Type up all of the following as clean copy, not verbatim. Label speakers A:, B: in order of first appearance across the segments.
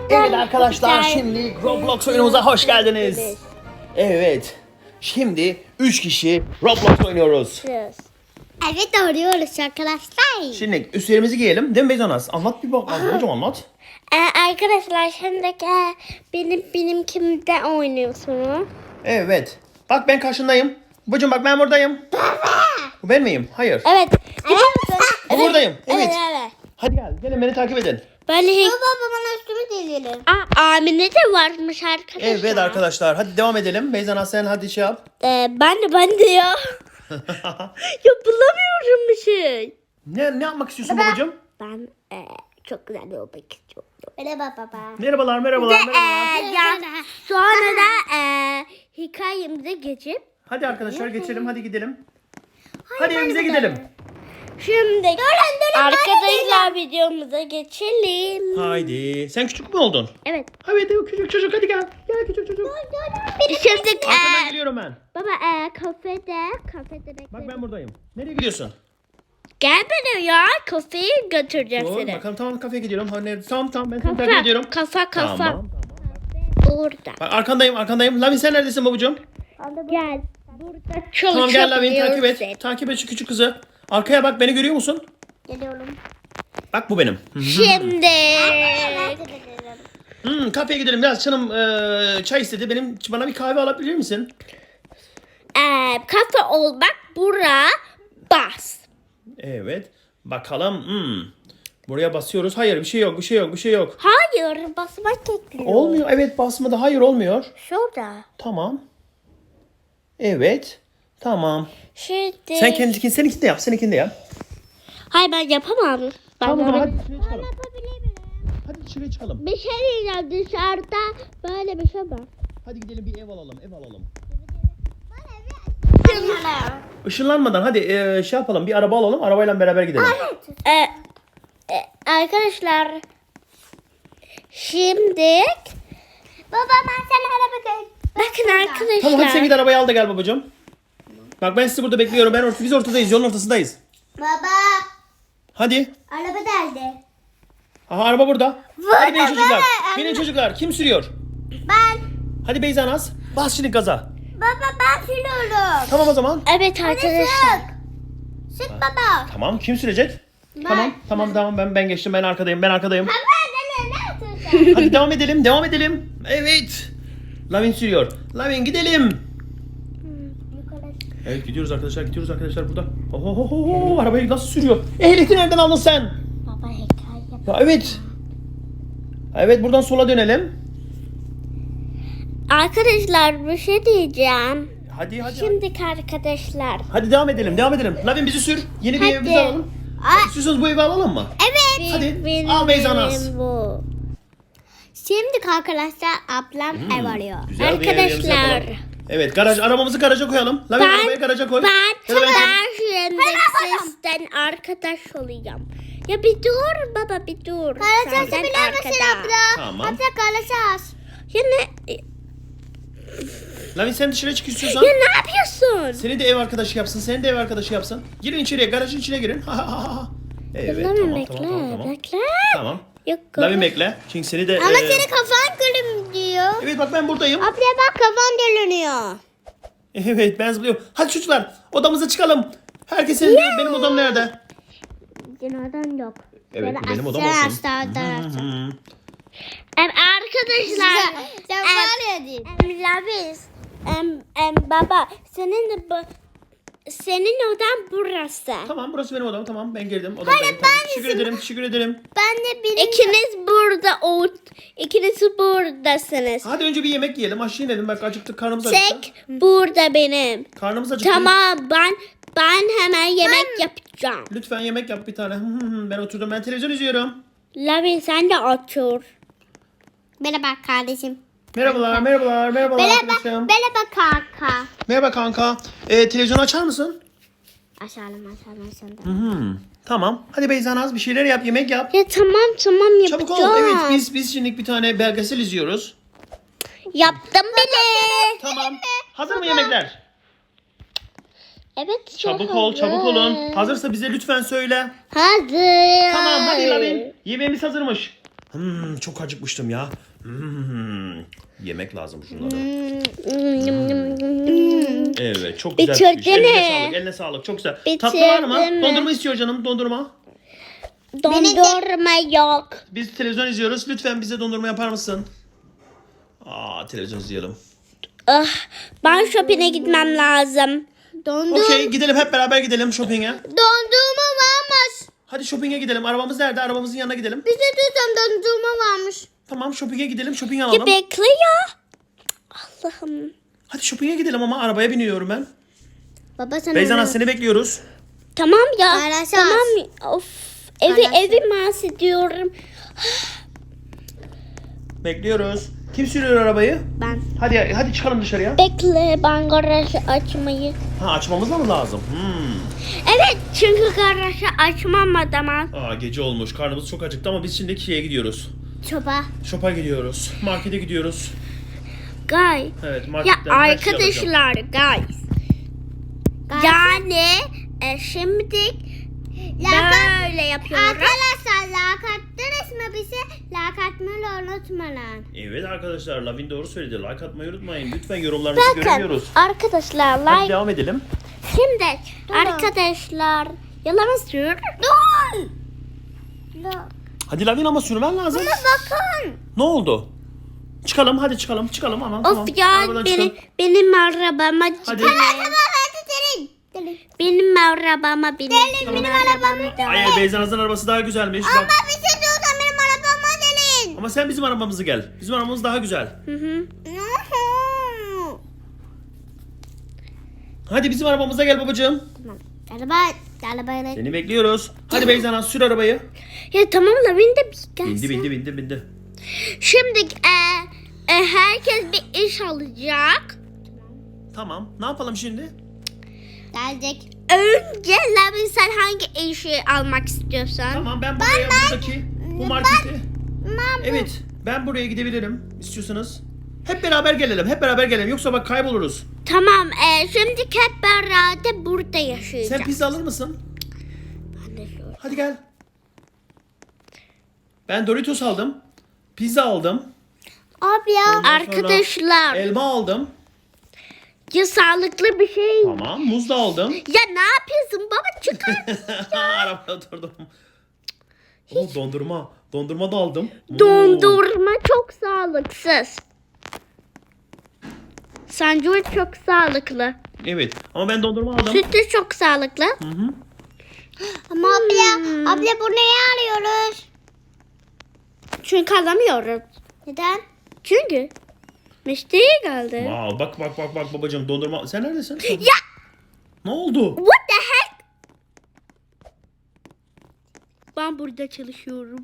A: Evet arkadaşlar, şimdi Roblox oyunumuza hoş geldiniz. Evet. Şimdi 3 kişi Roblox oynuyoruz.
B: Evet, arıyoruz arkadaşlar.
A: Şimdi üstlerimizi giyelim. Değil mi Beyzanas? Anlat bir bak. Hocam anlat.
B: Arkadaşlar şimdi benim kimde oynuyorsunuz?
A: Evet. Bak ben karşındayım. Babacım bak ben buradayım. Bu ben miyim? Hayır.
B: Evet.
A: Bu buradayım. Evet.
B: Evet.
A: Hadi gel. Gelin beni takip edin.
B: Böyle baba bana üstümü delelim. Amine de varmış arkadaşlar.
A: Evet arkadaşlar. Hadi devam edelim. Beyzanas sen hadi şey yap.
B: Ben de ya. Ya bulamıyorum bir şey.
A: Ne yapmak istiyorsun babacım?
B: Ben çok güzel olmak istiyorum. Merhaba baba.
A: Merhabalar, merhabalar, merhabalar.
B: Sonra da hikayemize geçip.
A: Hadi arkadaşlar geçelim. Hadi gidelim. Hadi evimize gidelim.
B: Şimdi arkadaşlar videomuza geçelim.
A: Haydi. Sen küçük mü oldun?
B: Evet.
A: Evet küçük çocuk hadi gel. Gel küçük çocuk.
B: Şimdi
A: Arkadan geliyorum ben.
B: baba kafede
A: Bak ben buradayım. Nereye gidiyorsun?
B: Gel beni ya kafeye götüreceğim
A: Doğru.
B: seni.
A: Bakalım tamam kafeye gidiyorum. Tamam ben seni takip ediyorum.
B: Kafa.
A: Tamam.
B: Burada.
A: Bak arkandayım. Lavin sen neredesin babacığım?
B: Gel. Burada
A: Tamam gel Lavin takip
B: çalışabiliyorsun.
A: et. Takip et şu küçük kızı. Arkaya bak beni görüyor musun?
B: Geliyorum.
A: Bak bu benim.
B: Şimdi.
A: Kafeye gidelim. Biraz canım çay istedi. Bana bir kahve alabilir misin?
B: Kafa olmak bura bas.
A: Evet. Bakalım. Buraya basıyoruz. Hayır bir şey yok.
B: Hayır basmak gerekiyor.
A: Olmuyor. Evet basmadı. Hayır olmuyor.
B: Şurada.
A: Tamam. Evet. Tamam.
B: Şimdi.
A: Seninkini de yap. Seninkini de yap.
B: Hayır ben yapamam.
A: Tamam
B: Ben
A: hadi dışarı çıkalım. Hadi dışarı çıkalım.
B: Bir şey diyeceğim dışarıda böyle bir şey var.
A: Hadi gidelim bir ev alalım. Işınlanmadan hadi şey yapalım. Bir araba alalım. Arabayla beraber gidelim.
B: Arkadaşlar şimdi baba ben sana araba götüreyim. Bakın arkadaşlar.
A: Tamam hadi sen git arabayı al da gel babacığım. Bak ben sizi burada bekliyorum. Biz ortadayız. Yolun ortasındayız.
B: Baba
A: Hadi.
B: araba nerede?
A: Aha araba burada. Hadi binin çocuklar. Binin çocuklar. Kim sürüyor?
B: Ben.
A: Hadi Beyzanas. Bas şimdi gaza.
B: Baba ben sürüyorum.
A: Tamam o zaman.
B: Evet arkadaşlar. Sık baba.
A: Tamam kim sürecek? Tamam ben geçtim. Ben arkadayım.
B: Baba ne yapıyorsun?
A: Hadi devam edelim. Evet. Lavin sürüyor. Lavin gidelim. Evet gidiyoruz arkadaşlar burada. Oho, arabayı nasıl sürüyor? Ehliyeti nereden aldın sen?
B: Baba hikaye.
A: Ya evet. Evet buradan sola dönelim.
B: Arkadaşlar bir şey diyeceğim.
A: Hadi.
B: Şimdiki arkadaşlar.
A: Hadi devam edelim. Lavin bizi sür. Yeni bir
B: Hadi.
A: evimizi alalım. İstiyorsanız bu evi alalım mı?
B: Evet.
A: Hadi, al Beyzanas.
B: Bu. Şimdi arkadaşlar ablam ev arıyor.
A: Güzel bir evimizi
B: Arkadaşlar.
A: yapalım. Evet arabamızı garaja koyalım. Lavin arabayı garaja koy.
B: Ben
A: Ya da
B: şimdi sizden arkadaş olacağım. Ya bir dur baba bir dur.
C: Karasası
B: Senden
C: biliyor musun
B: arkada.
C: abla?
A: Tamam.
C: Abla karasas.
B: Ya
A: Lavin sen dışarı çık istiyorsan.
B: ne yapıyorsun?
A: Seni de ev arkadaşı yapsın. Girin içeriye, garajın içine girin. Evet, tamam.
B: Bekle.
A: Tamam.
B: Yok.
A: Lavin bekle. Çünkü seni de...
C: Ama senin kafan gülüm diyor.
A: Evet bak ben buradayım.
C: Abla bak kafan dönüyor.
A: Evet ben zıplıyorum. Hadi çocuklar odamıza çıkalım. Herkesin benim odam nerede?
B: Neden yok?
A: Evet bu benim odam
C: Sen
A: olsun.
C: hasta.
B: Arkadaşlar.
C: Sen var ya değil.
B: Lavis. Baba senin odan burası.
A: Tamam burası benim odam tamam ben girdim odamdayım. Tamam. Teşekkür ederim.
C: Ben de benim.
B: İkiniz buradasınız.
A: Hadi önce bir yemek yiyelim aşağı inelim bak acıktık karnımız acıktı.
B: Tek burada benim.
A: Karnımız acıktı.
B: Tamam ben hemen yemek yapacağım.
A: Lütfen yemek yap bir tane. Ben oturdum ben televizyon izliyorum.
B: Lavin sen de otur.
C: Merhaba kardeşim.
A: Merhabalar arkadaşım.
C: Merhaba kanka.
A: Merhaba kanka. Televizyonu açar mısın?
C: Aşağılama.
A: Tamam. Hadi Beyzanaz bir şeyler yap yemek yap.
B: Ya tamam yapacağım.
A: Çabuk ol. Evet biz şimdi bir tane belgesel izliyoruz.
B: Yaptım bile.
A: Tamam. Hazır mı yemekler?
B: Evet.
A: Çabuk olun. Hazırsa bize lütfen söyle.
B: Hazır.
A: Tamam hadi Lavin. Yemeğimiz hazırmış. Çok acıkmıştım ya. Yemek lazım şunları. Evet, çok güzel pişmiş.
B: Bitirdin
A: Eline
B: mi?
A: sağlık, eline sağlık. Çok güzel. Tatlı var mı?
B: Bitirdin mi?
A: Dondurma istiyor canım, dondurma.
B: Dondurma yok.
A: Biz televizyon izliyoruz. Lütfen bize dondurma yapar mısın? Televizyon izleyelim.
B: Ben shopping'e gitmem lazım.
A: Okey, gidelim hep beraber gidelim shopping'e.
C: Dondurma varmış.
A: Hadi shopping'e gidelim. Arabamız nerede? Arabamızın yanına gidelim.
C: Bize diyorsan dondurma varmış.
A: Tamam, shopping'e gidelim. Shopping
B: Ya
A: alalım.
B: bekle ya. Allah'ım.
A: Hadi shopping'e gidelim ama arabaya biniyorum ben.
C: Baba sen
A: Beyzanaz seni bekliyoruz.
B: Tamam ya.
C: Paylaşacağız.
B: Tamam. Of. Evi
C: Paylaşacağız.
B: mahsediyorum.
A: Bekliyoruz. Kim sürüyor arabayı?
B: Ben.
A: Hadi çıkalım dışarıya.
B: Bekle ben garajı açmayı.
A: Açmamız da mı lazım?
B: Evet çünkü garajı açmam adama.
A: Gece olmuş. Karnımız çok acıktı ama biz şimdi şeye gidiyoruz.
C: çoba.
A: Shop'a gidiyoruz. Markete gidiyoruz.
B: Guys.
A: Evet,
B: Ya
A: marketten her şeyi alacağım.
B: arkadaşlar guys. Yani şimdi böyle yapıyoruz.
C: Arkadaşlar like attınız mı bize? Like atmayı unutmayın.
A: Evet arkadaşlar, Lavin doğru söyledi. Like atmayı unutmayın. Lütfen yorumlarınızı göremiyoruz.
B: Arkadaşlar
A: Hadi
B: like.
A: devam edelim.
B: Şimdi arkadaşlar yalan sür.
C: Dur.
A: Hadi Lavin ama sürmen lazım.
C: Bakın.
A: Ne oldu? Çıkalım, hadi çıkalım ama. Tamam.
B: Of ya
A: Arabadan çıkalım.
B: benim arabama
A: Hadi.
B: benim arabama benim arabama da.
A: Hayır, Beyzanaz'ın arabası daha güzelmiş. Bak.
C: Bize diyorsan benim arabama gelin.
A: Ama sen bizim arabamızı gel. Bizim arabamız daha güzel. Hadi bizim arabamıza gel babacığım.
C: Arabayla.
A: Seni bekliyoruz. Hadi Beyzanaz sür arabayı.
B: Ya tamam Lavin de bir gelsin.
A: Bindi.
B: Şimdi herkes bir iş alacak.
A: Tamam. Ne yapalım şimdi?
C: Gelecek.
B: Önce Lavin sen hangi işi almak istiyorsan?
A: Tamam, ben buraya buradaki bu markete. Evet, ben buraya gidebilirim istiyorsanız. Hep beraber gelelim. Yoksa bak kayboluruz.
B: Tamam şimdi hep beraber burada yaşayacağız.
A: Sen pizza alır mısın?
B: Ben de şöyle.
A: Hadi gel. Ben Doritos aldım. Pizza aldım.
C: Abi ya.
A: Ondan sonra
B: Arkadaşlar
A: elma aldım.
B: ya sağlıklı bir şey.
A: Tamam, muz da aldım.
B: Ya ne yapıyorsun baba çıkar.
A: Arabaya oturdum. Dondurma. Dondurma da aldım.
B: Dondurma çok sağlıksız. Sandviç çok sağlıklı.
A: Evet, ama ben dondurma aldım.
B: Süt de çok sağlıklı.
C: Ama abla bu neyi arıyoruz?
B: Çünkü alamıyoruz.
C: Neden?
B: Çünkü müşteri geldi.
A: Wow, bak babacığım, dondurma. Sen neredesin?
B: Ya
A: Ne oldu?
B: what the heck? Ben burada çalışıyorum.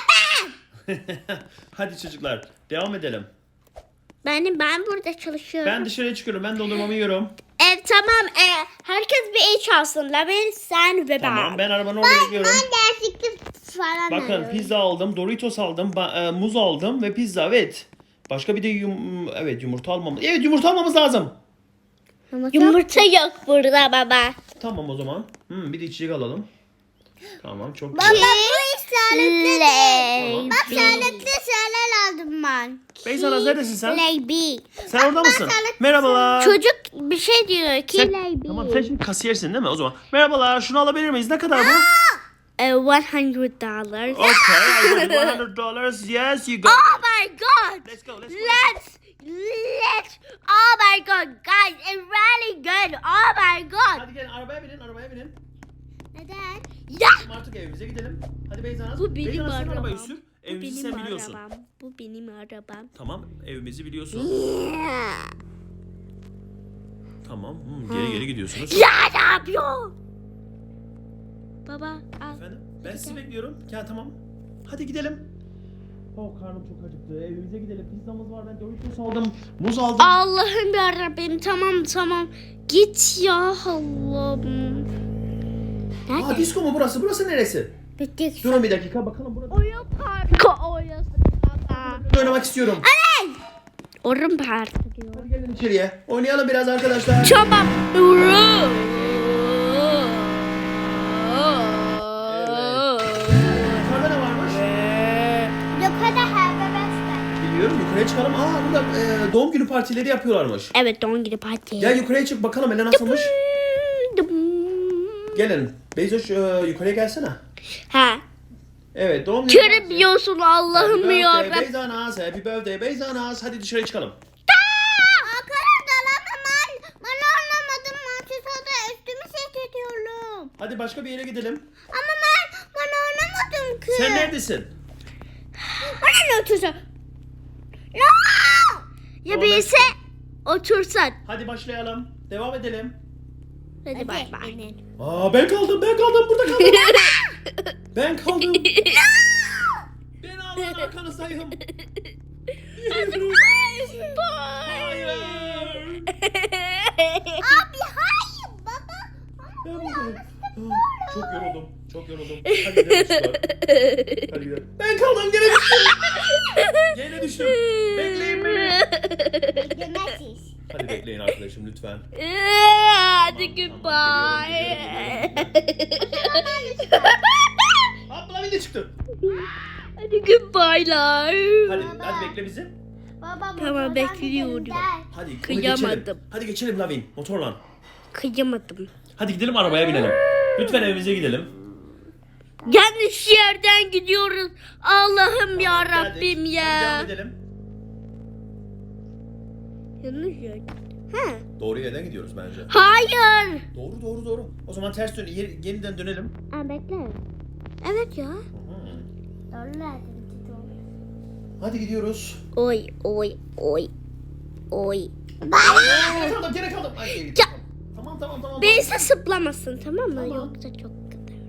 A: Hadi çocuklar, devam edelim.
B: Ben burada çalışıyorum.
A: Ben dışarıya çıkıyorum. Ben dondurmamı yiyorum.
B: Tamam. Herkes bir iş alsın. Lavin, sen ve ben.
A: Tamam, ben arabanın oraya gidiyorum.
C: Gerçekten falan
A: Bakın,
C: arıyoruz.
A: pizza aldım, Doritos aldım, muz aldım ve pizza, evet. Başka bir de yumurta almamız. Evet, yumurta almamız lazım.
B: Yumurta yok burada baba.
A: Tamam o zaman. Bir de içecek alalım. Tamam, çok
C: Baba
A: güzel.
C: bu iş sağlıklı değil.
A: Tamam.
C: Bak sağlıklı şeyler aldım ben.
A: Beyzanaz neredesin sen?
C: Leybi.
A: Sen orada mısın? Merhabalar.
B: Çocuk bir şey diyor ki
A: Tamam, sen şimdi kasiyersin değil mi o zaman? Merhabalar, şunu alabilir miyiz? Ne kadar bu?
B: $100.
A: Okay, I got $100. Yes, you got
B: Oh
A: it.
B: my god!
A: Let's go.
B: Let's. Oh my god, guys, it's really good. Oh my god.
A: Hadi gelin, arabaya binin.
C: Neden?
B: Ya.
A: Artık evimize gidelim. Hadi Beyzanaz.
B: Bu benim
A: Beyzanaz, sen
B: arabam.
A: arabayı sür.
B: Bu
A: Evimizi
B: benim
A: sen biliyorsun.
B: arabam. Bu benim arabam.
A: Tamam, evimizi biliyorsun. Tamam, geri gidiyorsunuz.
B: Ya ne yapıyor? Baba al.
A: Efendim, ben sizi bekliyorum. Ya tamam. Hadi gidelim. Karnım çok acıktı. Evimize gidelim. Pizzamız var. Ben Doritos aldım. Muz aldım.
B: Allah'ım yarabbim, tamam. Git ya Allah'ım. Nerede?
A: Disko mu burası? Burası neresi?
C: Bittik.
A: Durun bir dakika, bakalım burada.
B: Oyun parkı oyası baba.
A: Oynamak istiyorum.
B: Oyun parkı diyor.
A: Hadi gelin içeriye. Oynayalım biraz arkadaşlar.
B: Tamam.
A: Yukarıda ne varmış? gidelim. Yukarıya çıkalım. Burada doğum günü partileri yapıyorlarmış.
B: Evet, doğum günü parti.
A: Gel yukarıya çık bakalım Ela nasılmış. Gelin. Beyzoş yukarıya gelsene.
B: Ha.
A: Evet doğum günü partisi.
B: Göremiyorsun Allah'ım
A: Happy
B: ya.
A: birthday Beyzanaz. Happy birthday Beyzanaz. Hadi dışarı çıkalım.
C: Arkadaşlar ben anlamadım. Manchesters'da üstümü seyrediyorum.
A: Hadi başka bir yere gidelim.
C: Ama ben anlamadım ki.
A: Sen neredesin?
C: Bana ne otursa?
B: Ya
A: Doğru.
B: birisi otursan.
A: Hadi başlayalım. Devam edelim.
B: Hadi bay bay.
A: Ben kaldım burada kaldım. Ben kaldım. Ben ağlayan arkanızdayım. Hayır.
C: Abi hayır baba.
A: Ben buradayım. Çok yoruldum. Hadi gidelim çocuklar. Hadi gidelim. Ben kaldım gene düştüm. Gene düştüm. Bekleyin beni.
C: Yemezsiz.
A: Hadi bekleyin arkadaşım lütfen.
B: Hadi goodbye.
A: Abla bir de çıktı.
B: Hadi goodbye'lar.
A: Hadi bekle bizi.
C: Baba
B: Tamam,
C: motordan
B: bekliyorum.
C: gidelim.
A: Hadi onu
B: Kıyamadım.
A: geçelim. Hadi geçelim Lavin motorla.
B: Kıyamadım.
A: Hadi gidelim arabaya binelim. Lütfen evimize gidelim.
B: Yanlış yerden gidiyoruz. Allah'ım ya Rabbim
A: Geldik.
B: ya.
A: Hadi devam edelim.
B: Yanlış yer. Ha.
A: Doğru yerden gidiyoruz bence.
B: Hayır.
A: Doğru. O zaman ters dön, yeniden dönelim.
B: Bekle. Evet ya.
C: Doğru.
A: Hadi gidiyoruz.
B: Oy.
A: Gene kaldım. Ay, geri
B: Ya.
A: Tamam.
B: Birisi sıplamasın, tamam mı?
A: Tamam.
B: Yoksa çok kötü.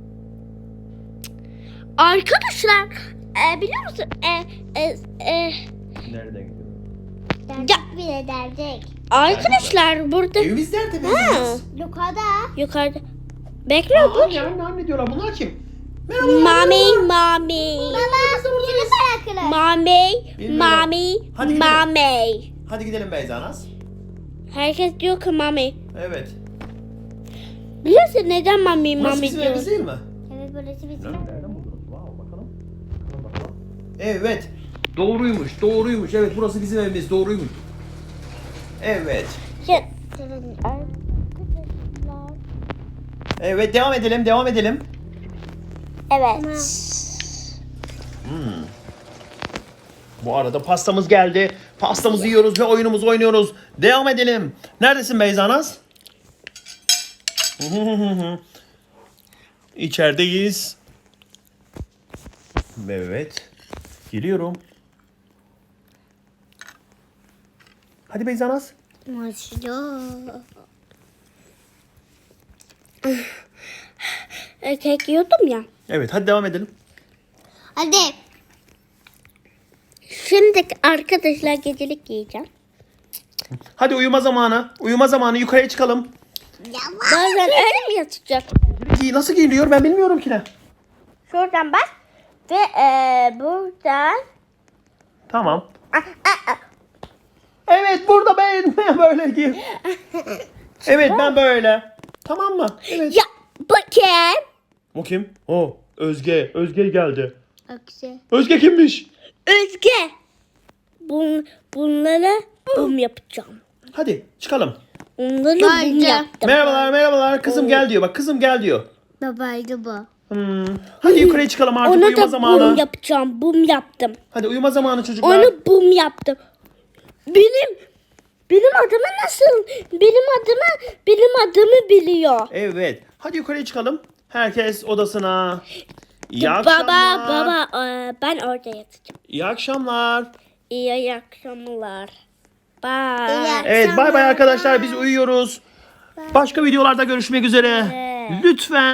B: Arkadaşlar biliyor musun?
A: Nereden gidiyoruz?
C: Derdik bile derdik.
B: Arkadaşlar burada
A: Evimiz nerede Beyzanaz?
C: Yukarıda.
B: yukarıda. Bekle bu.
A: Anne diyorlar. Bunlar kim? Merhaba.
B: Mami.
C: Baba yeni bırakırız.
B: Mami.
A: Hadi gidelim.
B: Mami.
A: Hadi gidelim Beyzanaz.
B: Herkes diyor ki Mami.
A: Evet.
B: Biliyorsun neden Mami
A: Burası
B: Mami
A: bizim
B: diyor?
A: evimiz değil mi?
C: Evet burası bizim.
A: Nereden buldunuz? Wow, bakalım. Evet. Doğruymuş. Evet burası bizim evimiz. Doğruymuş. Evet.
B: Ya-
A: Evet devam edelim.
B: Evet.
A: Bu arada pastamız geldi. Pastamızı yiyoruz ve oyunumuzu oynuyoruz. Devam edelim. Neredesin Beyzanaz? İçerideyiz. Evet. Geliyorum. Hadi Beyzanaz.
C: Maşallah.
B: Kek yiyordum ya.
A: Evet hadi devam edelim.
C: Hadi.
B: Şimdi arkadaşlar gecelik yiyeceğim.
A: Hadi uyuma zamanı. Yukarıya çıkalım.
B: Bazen öyle mi yatacak?
A: Nasıl giyiliyor ben bilmiyorum ki ne.
B: Şuradan bak. Ve buradan.
A: Tamam. Evet burada ben böyle giyim. Evet ben böyle. Tamam mı? Evet.
B: Ya bakayım.
A: O kim? O Özge. Özge geldi.
C: Aksi.
A: Özge kimmiş?
B: Özge. Bunları bum yapacağım.
A: Hadi çıkalım.
B: Onları bum
C: Bence.
B: yaptım.
A: Merhabalar. Kızım gel diyor. Bak kızım gel diyor.
C: Babaydı bu.
A: Hadi yukarıya çıkalım artık
B: Onu
A: uyuma
B: da
A: zamanı.
B: bum yapacağım. Bum yaptım.
A: Hadi uyuma zamanı çocuklar.
B: Onu bum yaptım. Benim adımı nasıl? Benim adımı biliyor.
A: Evet. Hadi yukarıya çıkalım. Herkes odasına. İyi akşamlar.
B: Baba ben orada yatacağım.
A: İyi akşamlar.
B: İyi akşamlar. Bye.
A: Evet bay bay arkadaşlar biz uyuyoruz. Başka videolarda görüşmek üzere. Lütfen